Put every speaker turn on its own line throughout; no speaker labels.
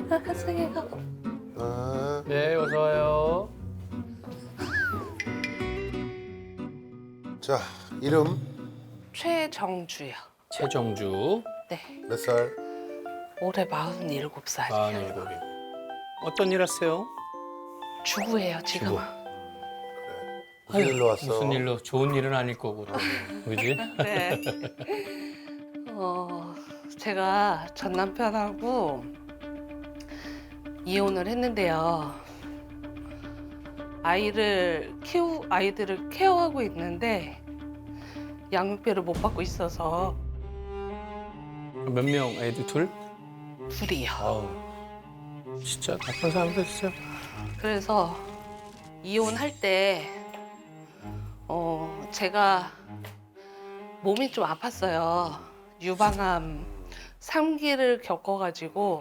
가세요.
아,
네, 어서 와요.
자, 이름
최정주요.
최정주,
네.
몇 살?
올해 47살이에요.
47이고. 어떤 일 하세요?
주부예요, 지금.
주부. 무슨 일로 왔어?
무슨 일로? 좋은 일은 아닐 거고, 또. 그지?
네. 제가 전 남편하고 이혼을 했는데요. 아이들을 케어하고 있는데 양육비를 못 받고 있어서
몇 명? 애들 둘?
둘이요.
아우, 진짜 나쁜 사람들 진짜.
그래서 이혼할 때 제가 몸이 좀 아팠어요. 유방암 3기를 겪어가지고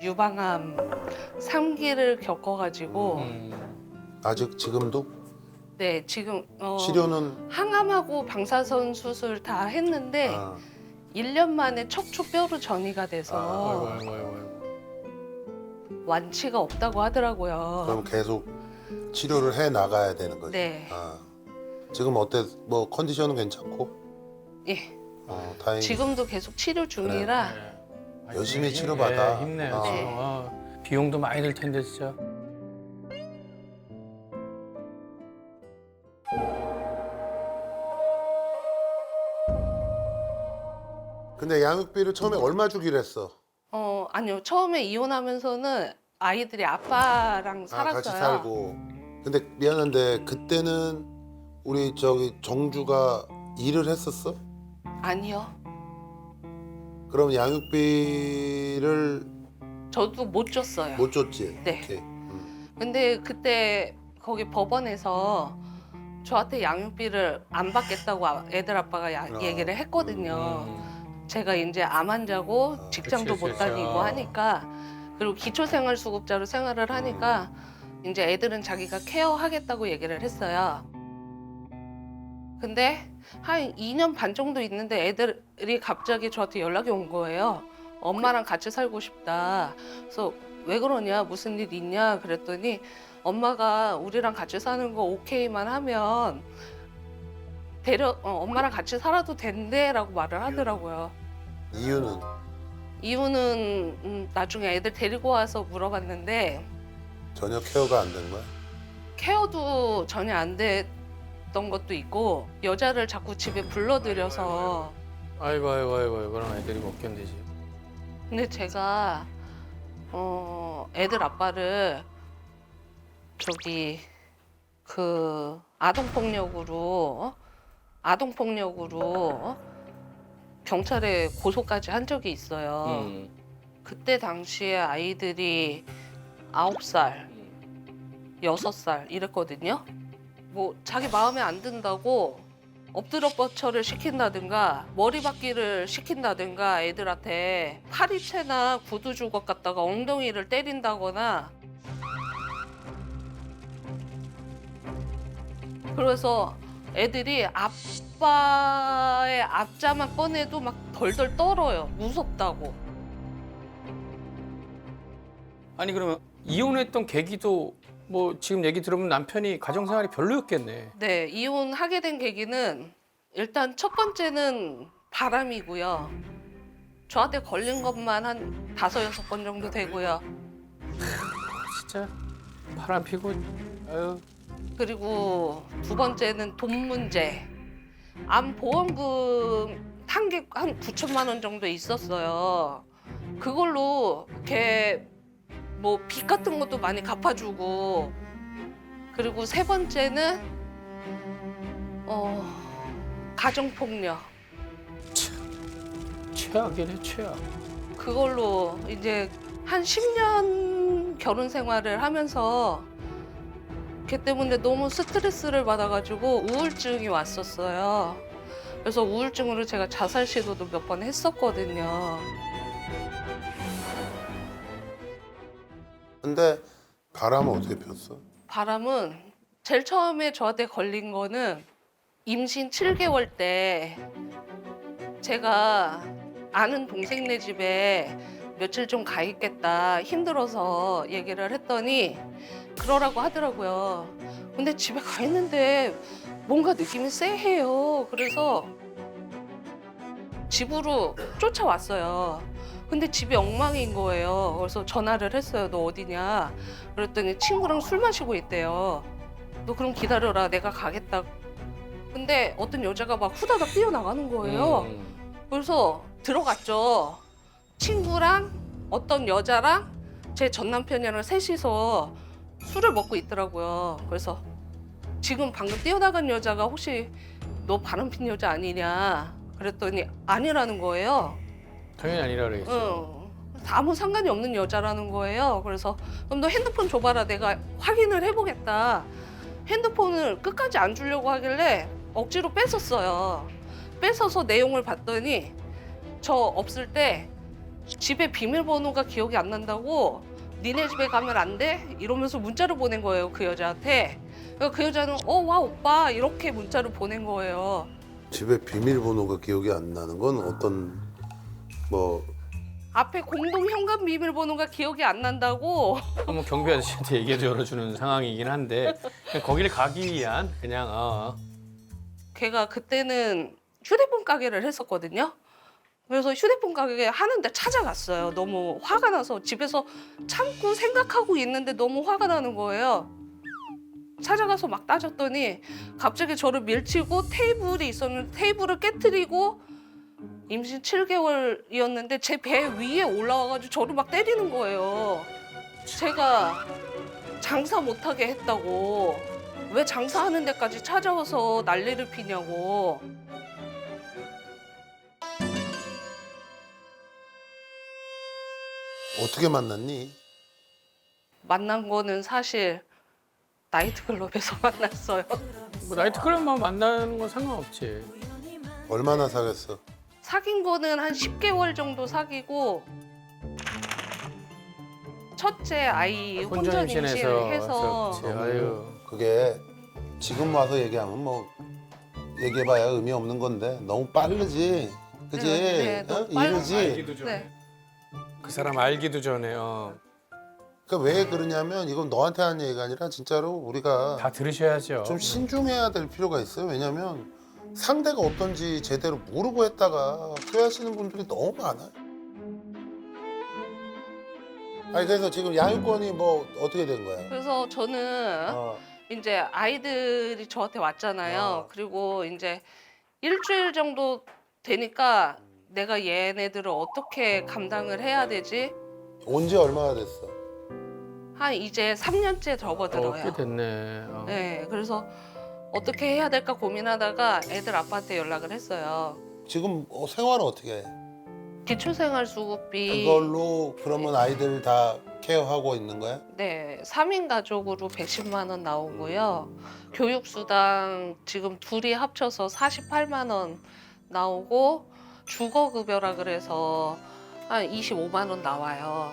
아직 지금도?
네, 지금
치료는?
항암하고 방사선 수술 다 했는데
아,
1년 만에 척추뼈로 전이가
아이고,
돼서
아이고, 아이고.
완치가 없다고 하더라고요.
그럼 계속 치료를 해 나가야 되는 거지?
네.
아, 지금 어때? 뭐 컨디션은 괜찮고?
예,
다행히.
지금도 계속 치료 중이라
네.
열심히
힘내,
치료받아.
힘내요.
네.
비용도 많이 들 텐데, 진짜.
근데 양육비를 처음에 얼마 주기로 했어?
아니요. 처음에 이혼하면서는 아이들이 아빠랑 살았어요.
같이 살고. 근데 미안한데 그때는 우리 저기 정주가 일을 했었어?
아니요.
그럼 양육비를
저도 못 줬어요.
못 줬지?
네.
오케이.
근데 그때 거기 법원에서 저한테 양육비를 안 받겠다고 애들 아빠가 얘기를 했거든요. 제가 이제 암 환자고 직장도
그치,
못
그치.
다니고 하니까, 그리고 기초생활수급자로 생활을 하니까 이제 애들은 자기가 케어하겠다고 얘기를 했어요. 근데 한 2년 반 정도 있는데 애들이 갑자기 저한테 연락이 온 거예요. 엄마랑 같이 살고 싶다. 그래서 왜 그러냐, 무슨 일 있냐 그랬더니 엄마가 우리랑 같이 사는 거 오케이만 하면 엄마랑 같이 살아도 된대라고 말을 하더라고요.
이유는?
이유는 나중에 애들 데리고 와서 물어봤는데
전혀 케어가 안 된 거야?
케어도 전혀 안 됐던 것도 있고, 여자를 자꾸 집에 불러들여서.
아이고, 그런 애들이 못 견디지.
근데 제가 애들 아빠를 저기 그 아동폭력으로 경찰에 고소까지 한 적이 있어요. 그때 당시에 아이들이 9살, 6살 이랬거든요. 뭐 자기 마음에 안 든다고 엎드려 뻗쳐를 시킨다든가 머리박기를 시킨다든가 애들한테 파리채나 구두 주걱 갖다가 엉덩이를 때린다거나, 그래서 애들이 아빠의 앞자만 꺼내도 막 덜덜 떨어요. 무섭다고.
아니, 그러면 이혼했던 계기도 뭐 지금 얘기 들으면 남편이 가정생활이 별로였겠네.
네, 이혼하게 된 계기는 일단 첫 번째는 바람이고요. 저한테 걸린 것만 한 5-6번 정도 되고요.
진짜 바람 피고, 아유.
그리고 두 번째는 돈 문제. 암 보험금 한 9천만 원 정도 있었어요. 그걸로 걔 뭐 빚 같은 것도 많이 갚아주고. 그리고 세 번째는 가정폭력.
최악이네, 최악.
그걸로 이제 한 10년 결혼 생활을 하면서 걔 때문에 너무 스트레스를 받아가지고 우울증이 왔었어요. 그래서 우울증으로 제가 자살 시도도 몇 번 했었거든요.
근데 바람은 어떻게 폈어?
바람은 제일 처음에 저한테 걸린 거는 임신 7개월 때 제가 아는 동생네 집에 며칠 좀 가 있겠다 힘들어서 얘기를 했더니 그러라고 하더라고요. 근데 집에 가 있는데 뭔가 느낌이 쎄해요. 그래서 집으로 쫓아왔어요. 근데 집이 엉망인 거예요. 그래서 전화를 했어요. 너 어디냐? 그랬더니 친구랑 술 마시고 있대요. 너 그럼 기다려라. 내가 가겠다. 근데 어떤 여자가 막 후다닥 뛰어나가는 거예요. 그래서 들어갔죠. 친구랑 어떤 여자랑 제 전 남편이랑 셋이서 술을 먹고 있더라고요. 그래서 지금 방금 뛰어나간 여자가 혹시 너 바람핀 여자 아니냐? 그랬더니 아니라는 거예요.
당연히 아니라 그러겠죠.
아무 상관이 없는 여자라는 거예요. 그래서 그럼 너 핸드폰 줘봐라. 내가 확인을 해보겠다. 핸드폰을 끝까지 안 주려고 하길래 억지로 뺏었어요. 뺏어서 내용을 봤더니 저 없을 때 집에 비밀번호가 기억이 안 난다고 니네 집에 가면 안 돼? 이러면서 문자를 보낸 거예요. 그 여자한테. 그러니까 그 여자는 와 오빠 이렇게 문자를 보낸 거예요.
집에 비밀번호가 기억이 안 나는 건 어떤 뭐
앞에 공동 현관 비밀번호가 기억이 안 난다고.
한번 경비 아저씨한테 얘기해 열어주는 상황이긴 한데 그냥 거기를 가기 위한 그냥
걔가 그때는 휴대폰 가게를 했었거든요. 그래서 휴대폰 가게 하는데 찾아갔어요. 너무 화가 나서 집에서 참고 생각하고 있는데 너무 화가 나는 거예요. 찾아가서 막 따졌더니 갑자기 저를 밀치고 테이블이 있었는데 테이블을 깨트리고 임신 7개월이었는데 제 배 위에 올라와가지고 저를 막 때리는 거예요. 제가 장사 못하게 했다고. 왜 장사하는 데까지 찾아와서 난리를 피냐고.
어떻게 만났니?
만난 거는 사실 나이트클럽에서 만났어요.
뭐 나이트클럽만 만나는 건 상관없지.
얼마나 사귀었어?
사귄 거는 한 10개월 정도 사귀고 첫째 아이 혼전 임신해서
그렇지. 아유.
그게 지금 와서 얘기하면 뭐 얘기해봐야 의미 없는 건데 너무 빠르지, 그지?
네, 너무 빨라.
이르지.
알기도 전에.
네.
그 사람 알기도 전에
그러니까 왜 그러냐면 이건 너한테 하는 얘기가 아니라 진짜로 우리가
다 들으셔야죠.
좀 신중해야 될 필요가 있어요. 왜냐면 상대가 어떤지 제대로 모르고 했다가 후회하시는 분들이 너무 많아요. 아니 그래서 지금 양육권이 뭐 어떻게 된 거야?
그래서 저는
어.
이제 아이들이 저한테 왔잖아요.
어. 그리고
그리고 이제 일주일 정도 되니까 내가 얘네들을 어떻게 감당을 해야 되지?
온 지 얼마나 됐어?
한 이제 3년째 접어들어요.
꽤 됐네.
네, 그래서 어떻게 해야 될까 고민하다가 애들 아빠한테 연락을 했어요.
지금 생활은 어떻게 해?
기초생활수급비
그걸로 그러면 아이들 다 케어하고 있는 거야?
네, 3인 가족으로 110만 원 나오고요. 교육수당 지금 둘이 합쳐서 48만 원 나오고 주거급여라 그래서 한 25만 원 나와요.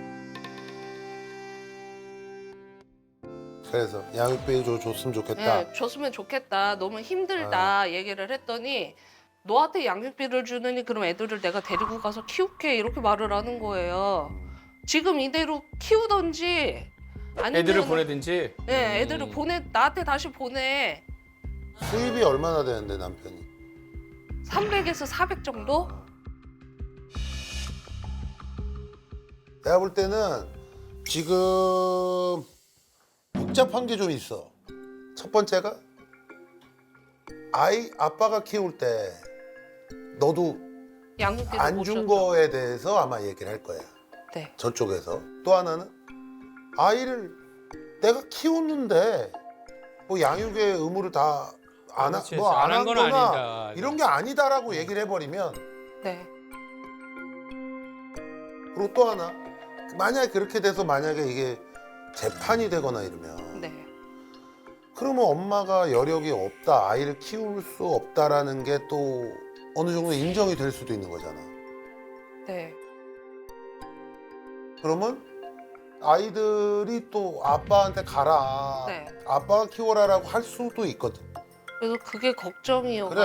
그래서 양육비 줬으면 좋겠다.
네, 줬으면 좋겠다. 너무 힘들다 얘기를 했더니 너한테 양육비를 주느니 그럼 애들을 내가 데리고 가서 키울게 이렇게 말을 하는 거예요. 지금 이대로 키우던지 아니면
애들을 보내든지.
네, 애들을 나한테 다시 보내.
수입이 얼마나 되는데 남편이?
300에서 400 정도?
내가 볼 때는 지금 복잡한 게 좀 있어. 첫 번째가 아빠가 키울 때 너도
양육비도
안
못
준
줬죠.
거에 대해서 아마 얘기를 할 거야.
네.
저쪽에서. 또 하나는 아이를 내가 키웠는데 뭐 양육의 의무를 다 안
그렇지.
안
안한 건
하거나
아니다.
이런 게 아니다라고 얘기를 해버리면
네.
그리고 또 하나 만약에 그렇게 돼서 만약에 이게 재판이 되거나 이러면
네.
그러면 엄마가 여력이 없다 아이를 키울 수 없다라는 게 또 어느 정도 인정이 될 수도 있는 거잖아.
네.
그러면 아이들이 또 아빠한테 가라
네.
아빠가 키워라라고 할 수도 있거든.
그래서 그게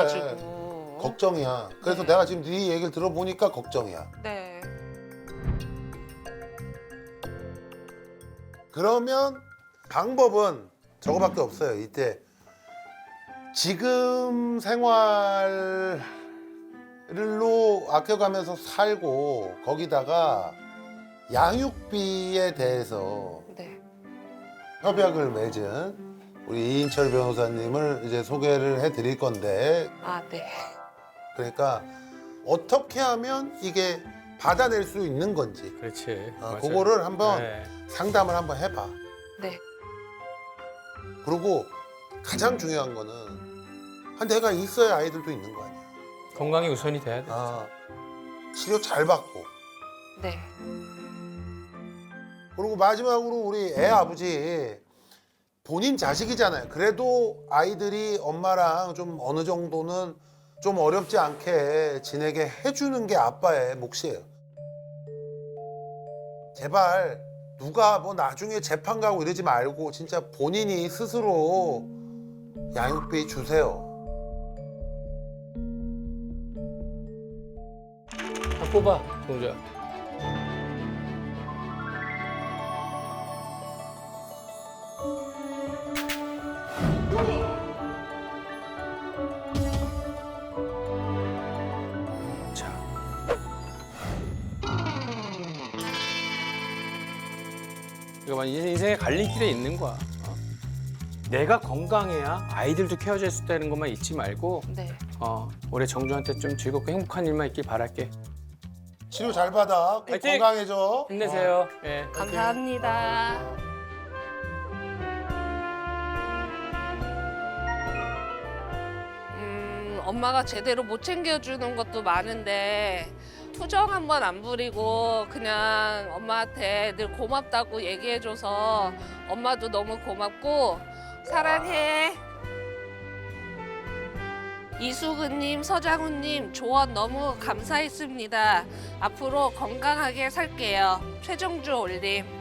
걱정이어가지고.
걱정이야. 그래서
네.
내가 지금 네 얘기를 들어보니까 걱정이야.
네.
그러면 방법은 저거밖에 없어요. 이때 지금 생활로 아껴가면서 살고 거기다가 양육비에 대해서
네.
협약을 맺은 우리 이인철 변호사님을 이제 소개를 해드릴 건데
아, 네.
그러니까 어떻게 하면 이게 받아낼 수 있는 건지
그렇지. 맞아요.
그거를 한번
네.
상담을 한번 해봐.
네.
그리고 가장 중요한 거는 내가 있어야 아이들도 있는 거 아니야.
건강이 우선이 돼야 돼.
치료 잘 받고.
네.
그리고 마지막으로 우리 애 아버지 본인 자식이잖아요. 그래도 아이들이 엄마랑 좀 어느 정도는 좀 어렵지 않게 지내게 해주는 게 아빠의 몫이에요. 제발 누가 뭐 나중에 재판 가고 이러지 말고 진짜 본인이 스스로 양육비 주세요.
다 뽑아, 동자. 자. 이거 봐, 인생의 갈림길에 있는 거야. 내가 건강해야 아이들도 케어질 수 있다는 것만 잊지 말고
네.
올해 정주한테 좀 즐겁고 행복한 일만 있길 바랄게.
치료 잘 받아. 꼭
화이팅!
건강해져.
힘내세요. 예.
감사합니다. 엄마가 제대로 못 챙겨주는 것도 많은데 투정 한번 안 부리고 그냥 엄마한테 늘 고맙다고 얘기해줘서 엄마도 너무 고맙고 사랑해. 이수근님, 서장훈님 조언 너무 감사했습니다. 앞으로 건강하게 살게요. 최정주 올림.